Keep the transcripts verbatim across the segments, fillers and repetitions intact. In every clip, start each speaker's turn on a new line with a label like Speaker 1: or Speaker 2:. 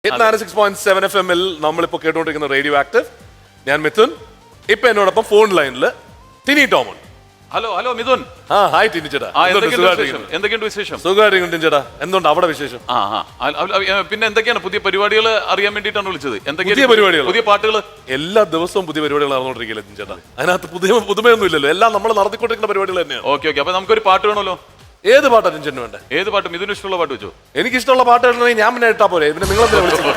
Speaker 1: Six point seven F എമ്മിൽ നമ്മളിപ്പോൾ കേട്ടുകൊണ്ടിരിക്കുന്ന റേഡിയോ ആക്റ്റീവ്. ഞാൻ മിഥുൻ. ഇപ്പൊ എന്നോടൊപ്പം ഫോൺ ലൈനിൽ ടിനി ടോമൺ.
Speaker 2: Hello hello Mithun.
Speaker 1: ആ ഹായ് ടിനി ചേട്ടാ.
Speaker 2: എന്തൊക്കെയുണ്ട് വിശേഷം?
Speaker 1: സുഖമായിരിക്കും ടിനി ചേട്ടാ. എന്തുകൊണ്ട് അവിടെ വിശേഷം?
Speaker 2: ആ പിന്നെ എന്തൊക്കെയാണ് പുതിയ പരിപാടികൾ അറിയാൻ വേണ്ടിയിട്ടാണ് വിളിച്ചത്?
Speaker 1: പുതിയ പരിപാടികൾ,
Speaker 2: പുതിയ പാട്ടുകൾ
Speaker 1: എല്ലാ ദിവസവും പുതിയ പരിപാടികൾ നടന്നുകൊണ്ടിരിക്കില്ല ടിനി ചേട്ടാ. അതിനകത്ത് പുതിയ പുതുമയൊന്നും ഇല്ലല്ലോ, എല്ലാം നമ്മൾ നടത്തിക്കൊണ്ടിരിക്കുന്ന പരിപാടികൾ തന്നെയാണ്.
Speaker 2: ഓക്കെ ഓക്കെ അപ്പൊ നമുക്കൊരു പാട്ട് വേണമല്ലോ.
Speaker 1: ഏത് പാട്ടാ ടിനി ചേട്ടന് വേണ്ടേ?
Speaker 2: ഏത് പാട്ട്? മിഥുന് ഇഷ്ടമുള്ള പാട്ട് വെച്ചോ.
Speaker 1: എനിക്ക് ഇഷ്ടമുള്ള പാട്ട് കേട്ടണമെങ്കിൽ ഞാൻ പിന്നെ ഇട്ടാ പോരെ, പിന്നെ നിങ്ങൾ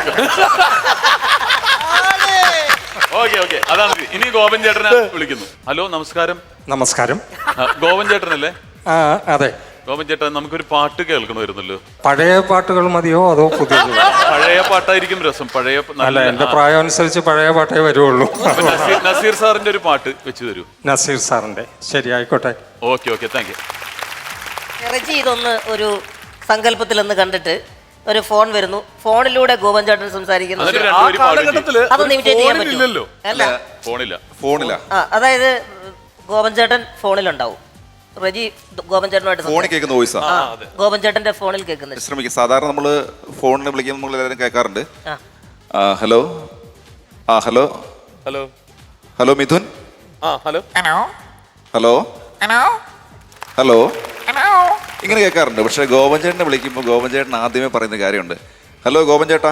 Speaker 2: ഓക്കെ ഓക്കെ അതാണ്. ഇനി ഗോപൻ ചേട്ടനെ വിളിക്കുന്നു. ഹലോ നമസ്കാരം.
Speaker 3: നമസ്കാരം.
Speaker 2: ഗോപൻ ചേട്ടനല്ലേ?
Speaker 3: ആ അതെ.
Speaker 2: ഗോപൻ ചേട്ടൻ നമുക്കൊരു പാട്ട് കേൾക്കണമായിരുന്നല്ലോ.
Speaker 3: പഴയ പാട്ടുകൾ മതിയോ അതോ പുതിയ?
Speaker 2: പഴയ പാട്ടായിരിക്കും രസം. പഴയ
Speaker 3: അല്ല, എന്റെ പ്രായം അനുസരിച്ച് പഴയ പാട്ടേ വരുള്ളൂ.
Speaker 2: നസീർ സാറിന്റെ ഒരു പാട്ട് വെച്ച് തരൂ.
Speaker 3: നസീർ സാറിന്റെ. ശരി, ആയിക്കോട്ടെ.
Speaker 2: Okay okay thank you.
Speaker 4: ഇറച്ചി ഇതൊന്ന് ഒരു സങ്കല്പത്തിലൊന്ന് കണ്ടിട്ട് ഒരു ഫോൺ വരുന്നു, ഫോണിലൂടെ ഗോപൻ ചേട്ടൻ സംസാരിക്കുന്നു. അതൊന്ന് ഇമിറ്റേറ്റ് ചെയ്യാൻ പറ്റുമോ? അല്ല,
Speaker 2: ഫോണില്ല.
Speaker 5: ഫോണില്ല.
Speaker 4: ആ അതായത് ഗോപൻ ചേട്ടൻ ഫോണിലുണ്ടാവും, റജി ഗോപൻ ചേട്ടനുമായിട്ട്
Speaker 5: ഫോണിൽ കേൾക്കുന്ന വോയിസാ
Speaker 4: ഗോപൻ ചേട്ടന്റെ ഫോണിൽ കേൾക്കുന്നത്.
Speaker 5: ശ്രമിക്കും. സാധാരണ നമ്മള് ഫോണിൽ വിളിക്കുമ്പോൾ നമ്മൾ എല്ലാവരും കേൾക്കാറുണ്ട്. ഹലോ ആ ഹലോ
Speaker 1: ഹലോ
Speaker 5: ഹലോ മിഥുൻ.
Speaker 1: ആ ഹലോ
Speaker 5: ഹലോ ഹലോ ഇങ്ങനെ കേൾക്കാറുണ്ട്. പക്ഷെ ഗോപൻ ചേട്ടനെ വിളിക്കുമ്പോൾ ഗോപൻ ചേട്ടൻ ആദ്യമേ പറയുന്ന കാര്യമുണ്ട്. ഹലോ ഗോപൻ ചേട്ടാ.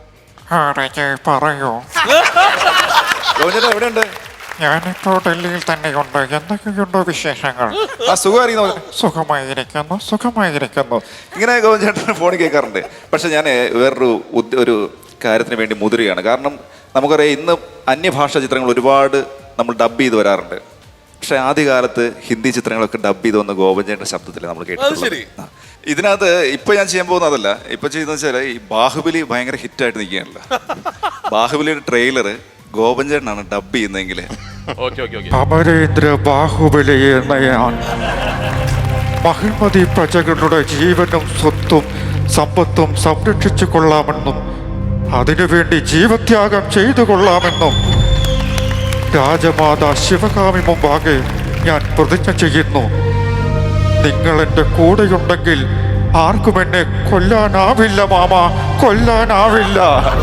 Speaker 3: പറയോ.
Speaker 5: ഗോപൻ ചേട്ടാ എവിടെയുണ്ട്?
Speaker 3: ഞാനിപ്പോ ഡൽഹിയിൽ തന്നെയുണ്ട്. എന്തൊക്കെയുണ്ടോ വിശേഷങ്ങൾ?
Speaker 5: ആ സുഖമായിരിക്കുന്നു.
Speaker 3: സുഖമായിരിക്കുന്നു സുഖമായിരിക്കുന്നു
Speaker 5: ഇങ്ങനെ ഗോപൻ ചേട്ടൻ ഫോണിൽ കേൾക്കാറുണ്ട്. പക്ഷെ ഞാൻ വേറൊരു ഒരു കാര്യത്തിന് വേണ്ടി മുതിരുകയാണ്. കാരണം നമുക്കറിയാം, ഇന്ന് അന്യഭാഷാ ചിത്രങ്ങൾ ഒരുപാട് നമ്മൾ ഡബ് ചെയ്ത് വരാറുണ്ട്. പക്ഷെ ആദ്യകാലത്ത് ഹിന്ദി ചിത്രങ്ങളൊക്കെ ഡബ് ചെയ്ത് വന്ന ഗോപൻ ചേട്ടൻ്റെ ശബ്ദത്തിൽ നമ്മൾ കേട്ടിട്ടുണ്ട്. ഇതിനകത്ത് ഇപ്പൊ ഞാൻ ചെയ്യാൻ പോകുന്ന അതല്ല. ഇപ്പൊ ചെയ്യുന്ന വെച്ചാൽ ഈ ബാഹുബലി ഭയങ്കര ഹിറ്റായിട്ട് നിൽക്കുകയാണല്ലോ. ബാഹുബലിയുടെ ട്രെയിലർ ഗോപൻ ചേട്ടനാണ് ഡബ് ചെയ്യുന്നതെങ്കിൽ
Speaker 3: അമരേന്ദ്ര ബാഹുബലി എന്ന ഞാൻ മഹിമതി പ്രജകളുടെ ജീവനും സ്വത്തും സമ്പത്തും സംരക്ഷിച്ചു കൊള്ളാമെന്നും അതിനുവേണ്ടി ജീവത്യാഗം ചെയ്തു കൊള്ളാമെന്നും രാജമാതാ ശിവകാമി മുമ്പാകെ ഞാൻ പ്രതിജ്ഞ ചെയ്യുന്നു. നിങ്ങൾ എൻ്റെ കൂടെയുണ്ടെങ്കിൽ ആർക്കും എന്നെ കൊല്ലാനാവില്ല മാമ, കൊല്ലാനാവില്ല.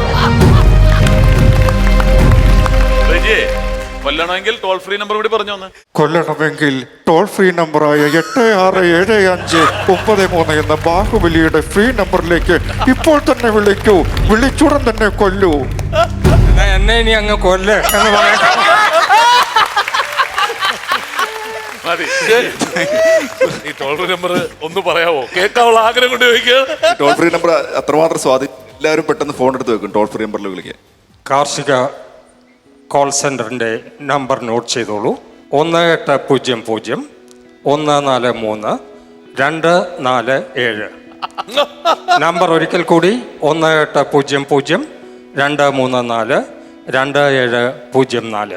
Speaker 2: കൊല്ലണമെങ്കിൽ ടോൾ ഫ്രീ നമ്പർ കൂടി പറഞ്ഞു.
Speaker 3: കൊല്ലണമെങ്കിൽ ടോൾ ഫ്രീ നമ്പറായ എട്ട് ആറ് ഏഴ് അഞ്ച് ഒമ്പത് മൂന്ന് എന്ന ബാഹുബലിയുടെ ഫ്രീ നമ്പറിലേക്ക് ഇപ്പോൾ തന്നെ വിളിക്കൂ. വിളിച്ചുടൻ തന്നെ കൊല്ലൂ. എന്നെ ഇനി അങ്ങ് കൊല്ല എന്ന് പറയാം.
Speaker 1: ഈ ടോൾ ഫ്രീ നമ്പർ ഒന്ന് പറയാവോ? കേൾക്കാനുള്ള ആഗ്രഹം കൊണ്ട് ചോദിക്കുക.
Speaker 5: ടോൾ ഫ്രീ നമ്പർ അത്രമാത്രം സ്വാധീനം. എല്ലാവരും പെട്ടെന്ന് ഫോൺ എടുത്ത് വെക്കും ടോൾ ഫ്രീ നമ്പറിൽ വിളിക്കുക.
Speaker 3: കാർഷിക കോൾ സെൻ്ററിൻ്റെ നമ്പർ നോട്ട് ചെയ്തോളൂ. ഒന്ന് എട്ട് പൂജ്യം പൂജ്യം ഒന്ന് നാല് മൂന്ന് രണ്ട് നാല് ഏഴ്. നമ്പർ ഒരിക്കൽ കൂടി, ഒന്ന് എട്ട് പൂജ്യം പൂജ്യം രണ്ട് മൂന്ന് നാല് രണ്ട് ഏഴ് പൂജ്യം നാല്.